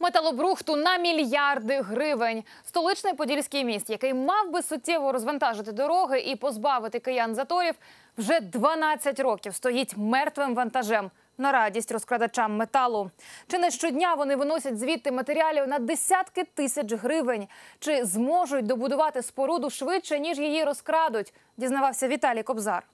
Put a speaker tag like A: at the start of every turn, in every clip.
A: Металобрухту на мільярди гривень. Столичний Подільський міст, який мав би суттєво розвантажити дороги і позбавити киян заторів, вже 12 років стоїть мертвим вантажем на радість розкрадачам металу. Чи не щодня вони виносять звідти матеріалів на десятки тисяч гривень? Чи зможуть добудувати споруду швидше, ніж її розкрадуть? Дізнавався Віталій Кобзар.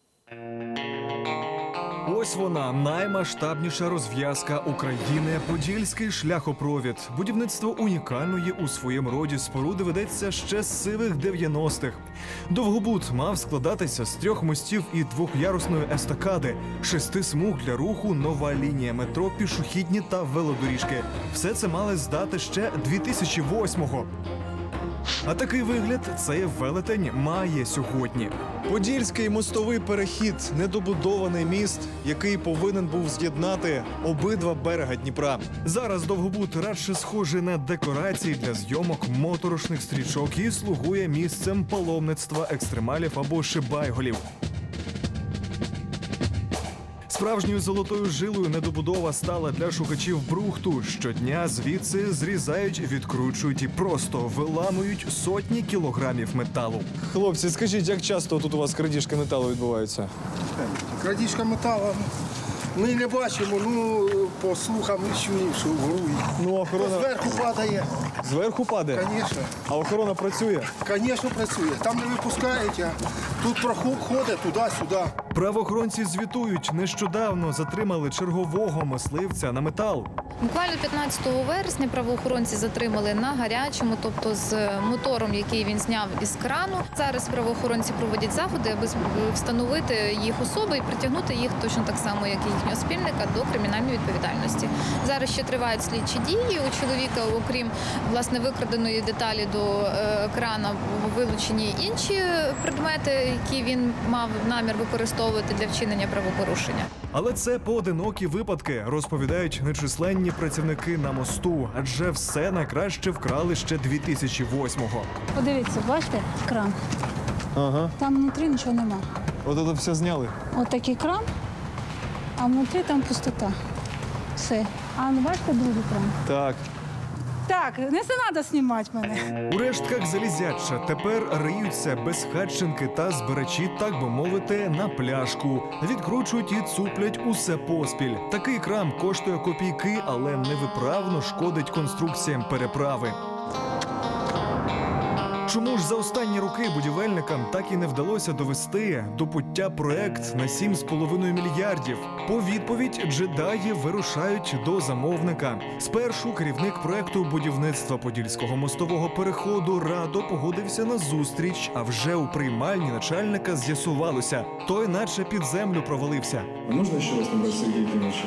B: Ось вона, наймасштабніша розв'язка України – Подільський шляхопровід. Будівництво унікальної у своєму роді споруди ведеться ще з сивих 90-х. Довгобуд мав складатися з 3 мостів і 2-ярусної естакади, 6 смуг для руху, нова лінія метро, пішохідні та велодоріжки. Все це мали здати ще 2008-го. А такий вигляд цей велетень має сьогодні.
C: Подільський мостовий перехід – недобудований міст, який повинен був з'єднати обидва берега Дніпра.
B: Зараз Довгобуд радше схожий на декорації для зйомок моторошних стрічок і слугує місцем паломництва екстремалів або шибайголів. Справжньою золотою жилою недобудова стала для шукачів брухту. Щодня звідси зрізають, відкручують і просто виламують сотні кілограмів металу.
C: Хлопці, скажіть, як часто тут у вас крадіжки металу відбуваються?
D: Крадіжка металу ми не бачимо, по слухам чуємо, що врують.
C: Охорона
D: Зверху падає.
C: зверху падає?
D: Звісно.
C: А охорона працює?
D: Звісно, працює. Там не випускають, а тут проход ходить туди-сюди.
B: Правоохоронці звітують, нещодавно затримали чергового мисливця на метал.
E: Буквально 15 вересня правоохоронці затримали на гарячому, тобто з мотором, який він зняв із крану. Зараз правоохоронці проводять заходи, аби встановити їх особи і притягнути їх точно так само, як і їхнього спільника, до кримінальної відповідальності. Зараз ще тривають слідчі дії. У чоловіка, окрім власне викраденої деталі до крана, вилучені інші предмети, які він мав намір використовувати для вчинення правопорушення.
B: Але це поодинокі випадки, розповідають нечисленні працівники на мосту, адже все найкраще вкрали ще 2008-го.
F: Подивіться, бачите, кран.
C: Ага.
F: Там внутрі нічого нема.
C: От це все зняли?
F: От такий кран, а внутрі там пустота. Все. А ну бачите другий кран?
C: Так.
F: Так, не треба знімати мене.
B: У рештках залізяча тепер риються безхатченки та збирачі, так би мовити, на пляшку. Відкручують і цуплять усе поспіль. Такий кран коштує копійки, але невиправно шкодить конструкціям переправи. Чому ж за останні роки будівельникам так і не вдалося довести до пуття проект на 7,5 мільярдів? По відповідь джедаї вирушають до замовника. Спершу керівник проекту будівництва Подільського мостового переходу радо погодився на зустріч, а вже у приймальні начальника з'ясувалося, той наче під землю провалився.
G: Можно еще раз набрать Сергея Евгеньевича?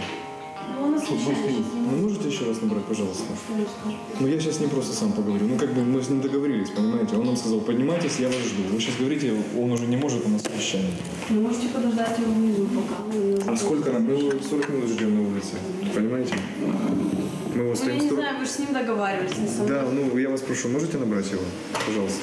G: Ну, можете еще раз набрать, пожалуйста? Ну, я сейчас не просто сам поговорю. Мы с ним договорились, понимаете? Он нам сказал, поднимайтесь, я вас жду. Вы сейчас говорите, он уже не может, у нас совещание.
H: Вы можете подождать его внизу пока.
G: А сколько нам? Мы его 40 минут ждем на улице, понимаете? Мы его стоим...
H: Я не знаю, вы же с ним договаривались. Не со мной.
G: Да, я вас прошу, можете набрать его? Пожалуйста.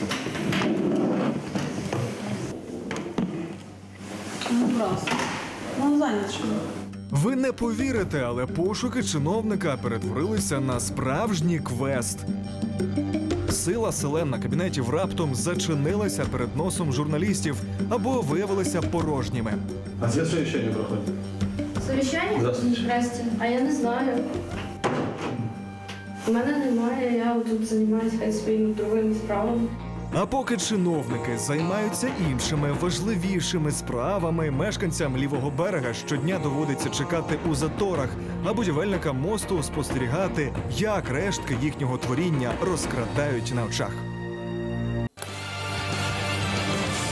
H: Ну, просто. Он занят что-то.
B: Ви не повірите, але пошуки чиновника перетворилися на справжній квест. Сила селен кабінетів раптом зачинилася перед носом журналістів або виявилися порожніми.
G: А где совещание проходит?
H: Совещание?
G: Здравствуйте.
H: Здрасте. А я не знаю. У мене немає, я тут займаюся своїми другими справами.
B: А поки чиновники займаються іншими важливішими справами, мешканцям лівого берега щодня доводиться чекати у заторах, а будівельникам мосту спостерігати, як рештки їхнього творіння розкрадають на очах.